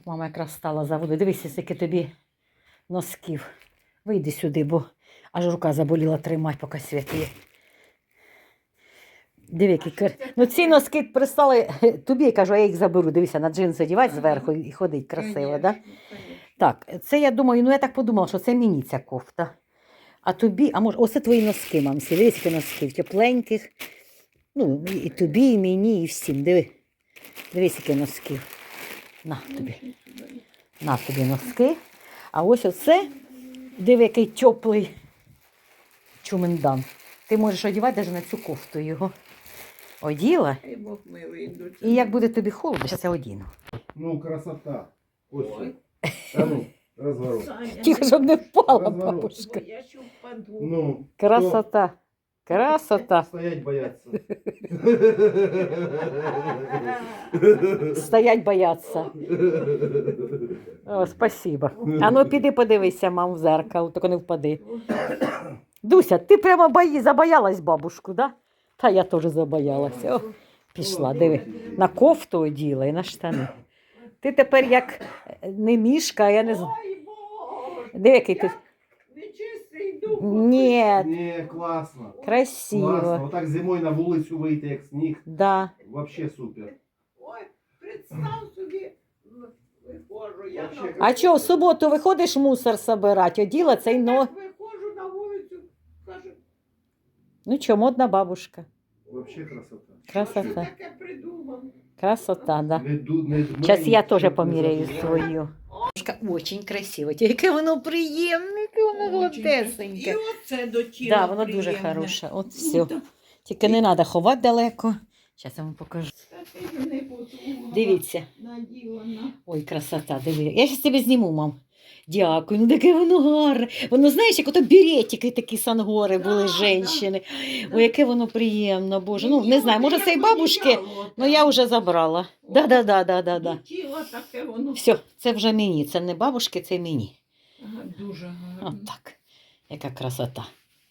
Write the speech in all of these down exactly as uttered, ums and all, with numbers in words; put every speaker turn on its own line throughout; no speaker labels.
Мама якраз стала за водою. Дивися, скільки тобі носків. Вийди сюди, бо аж рука заболіла тримати, поки світ є. Диви, які кар... Ну ці носки пристали тобі, я кажу, а я їх заберу. Дивися, на джинси одівати зверху і ходить красиво, так? Да? Так, це я думаю, ну я так подумала, що це мені ця кофта. А тобі, а може, оце твої носки, мамсі. Дивись, які носки, тепленьких. Ну, і тобі, і мені, і всім. Диви. Дивись, які носки. На тобі. На тобі носки. А ось оце, диви, який теплий чумендан. Ти можеш одягати навіть на цю кофту його. Оділа. І як буде тобі холодно, зараз я одіну.
Ну, красота. Ось. А ну, розворот.
Тихо, щоб не впала, бабушка.
Я ще впаду.
Ну,
Красота. Красота.
Стоять бояться.
Стоять бояться. О, спасибо. А ну піди подивися, мам, в зеркало, тільки не впади. Дуся, ти прямо бої, забоялась бабушку, да? Та я теж забоялася. О, пішла, диви. На кофту оділа і на штани. Ти тепер як не мішка, а я не знаю.
Ой, Боже,
Диви, який ти.
нечистий дух.
Ні,
Не, класно.
красиво.
Класно. Отак зимою на вулицю вийти, як сніг.
Да.
Вообще супер.
Ой, представ собі, виходжу, я
Вообще
на
А що, в суботу виходиш мусор собирати? Оділа цей, но...
Так виходжу на вулицю, кажу,
Ну що, модна бабушка.
Вообще красота.
що ж ти
Красота.
таке придумав?
Красота, да.
Не ду- не дмей,
Зараз я теж
щоб не
поміряю
зажигати.
свою. Очень красиво. Яке воно приємне, яке воно
І
гладесеньке.
оце до тіла
Да, воно дуже
приємне.
хороше. От
Ну,
все.
та-
Тільки не треба ховати далеко. Зараз я вам покажу.
та ти мене подумала,
Дивіться.
наділа на-
Ой, красота, диви. Я зараз тебе зніму, мам. Дякую, ну таке воно гарне. Воно, знаєш, як ото беретики такі сангори були,
Да,
женщини.
да.
Ой, яке воно приємно, Боже. Ну,
Мені
не знаю,
воно
може,
як
це і бабушки,
одіяло
ну я
таке.
вже забрала. Да-да-да-да-да.
До тіла таке воно.
Все, це вже мені, це не бабушки, це мені.
Ага, дуже гарно.
От так. Яка красота.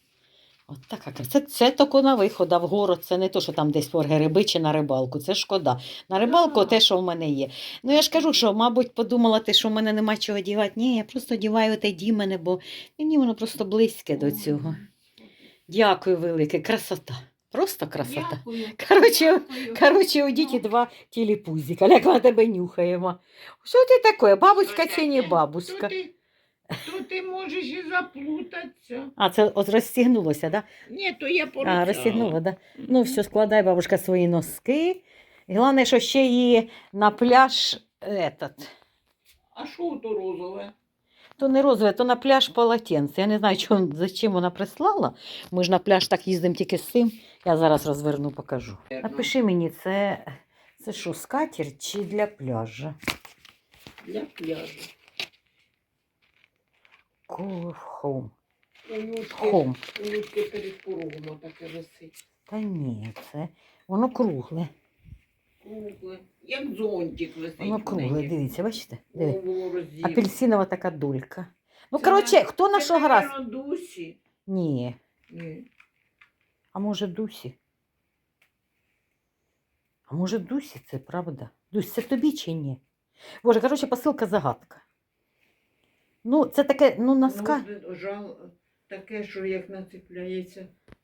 От така красота. Це, це тільки на виход, а в город. Це не то, що там десь по гриби чи на рибалку. Це шкода. На рибалку
Так.
те, що в мене є. Ну я ж кажу, що, мабуть, подумала ти, що в мене нема чого одягати. Ні, я просто одягаю те дімене, бо мені воно просто близьке до цього. Дякую велике. Красота. Просто красота.
Дякую.
Коротше,
Дякую.
коротше, одіть і два тіліпузика, як на тебе нюхаємо. Що ти таке? Бабуська чи не
То
бабуська?
ти, то ти можеш і заплутатися.
А, це от розстігнулося, так? Да?
Ні, то я
А,
порицала.
розстігнула, да? Ну, все, складай, бабушка, свої носки. І головне, що ще її на пляж, этот,
А що то розове?
то не розове, то на пляж полотенце. Я не знаю, чому, зачем вона прислала. Ми ж на пляж так їздимо тільки з цим. Я зараз розверну, покажу. Напиши мені, це, це що, скатерть чи для пляжа?
Для пляжу.
Cool home.
У Людки,
Home.
у Людки перед порогом таке висить.
Та ні, це воно кругле.
Кругле. Як зонтик висить.
Воно
в
кругле,
неї.
дивіться, бачите? Диви.
Голову розділу.
Апельсинова така дулька. Ну,
Це
коротше,
на-
хто на
це,
що грав?
наверно, Дусі.
Ні.
Ні.
А може Дусі? А може Дусі це правда? Дусь, це тобі чи ні? Боже, коротше, посилка загадка. Ну, це таке, ну, носка.
Ну, жал, таке, що як нацепляється.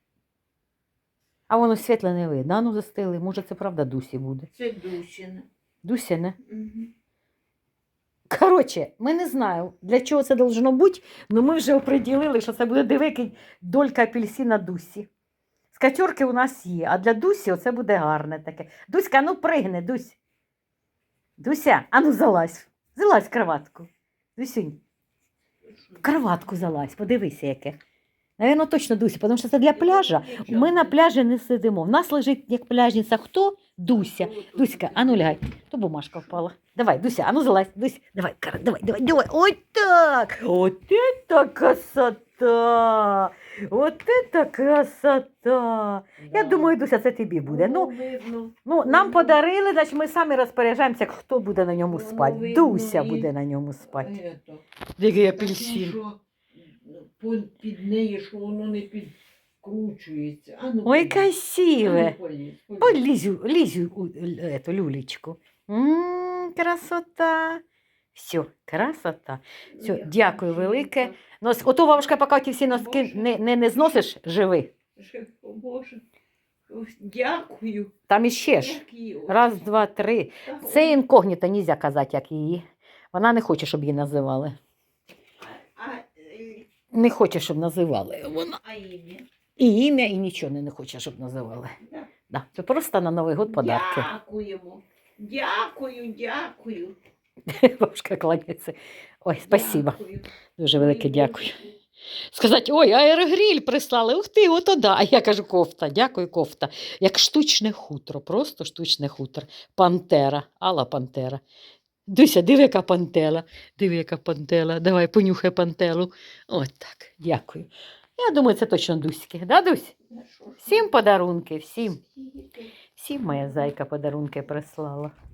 А воно світле не видно. А ну застили. Може, це правда Дусі буде.
Це Дусіне.
Дуся, не?
Угу.
Коротше, ми не знаємо, для чого це должно бути, але ми вже оприділили, що це буде дивикий долька апельсина Дусі. Скатерки у нас є, а для Дусі оце буде гарне таке. Дуська, ну пригни, Дусь. Дуся, а ну залазь. Залазь в кроватку. Дусюнь, в кроватку залазь, подивися яке. Навірно, точно Дуся, тому що це для пляжа. Ми на пляжі не сидимо. В нас лежить як пляжниця хто? Дуся. Дуська, а ну лягай. То бумажка впала. Давай, Дуся, а ну залазь. Дусь, давай, кара, давай, давай, давай. Ой так. Вот это красота. Вот это красота. Я думаю, Дуся, це тобі буде. Ну,
видно.
ну нам подарили, значить ми самі розпоряджаємося, хто буде на ньому
Воно
спати.
видно
Дуся
і-
буде на ньому спати.
Ето.
Який
Таке, що по- під неї, що воно не підкручується. А ну,
Ой,
полізь.
красиве.
А ну, полізь, полізь.
Полізь, лізь у эту люлечку. М, красота. Все, красота. Все,
Я
дякую
хочу
велике.
їх
Нос, ото бабушка, поки ті всі носки
Боже.
не, не, не зносиш, живи.
так, о, Боже. Ось, дякую.
Там іще ж.
Які очі.
Раз, два, три.
Та,
Це
ой,
інкогніта, нельзя казати, як її. Вона не хоче, щоб її називали.
А, е,
Не хоче, щоб називали. Вона.
а ім'я?
І ім'я, і нічого не, не хоче, щоб називали.
Да.
Да. Це просто на Новий год подарки.
Дякуємо. Дякую, дякую.
Бабушка кланяється. Ой, спасибо.
Дякую.
Дуже велике
Ой,
дякую.
Боже.
Сказати, ой, аерогріль прислали. Ух ти, ото да. А я кажу, кофта, дякую, кофта. Як штучне хутро, просто штучне хутро. Пантера, Алла Пантера. Дуся, диви, яка пантела. Диви, яка пантела. Давай, понюхай пантелу. От так, дякую. Я думаю, це точно Дуськи. Да, Дусь?
Та що ж
Всім подарунки, всім.
ви?
Всім моя зайка подарунки прислала.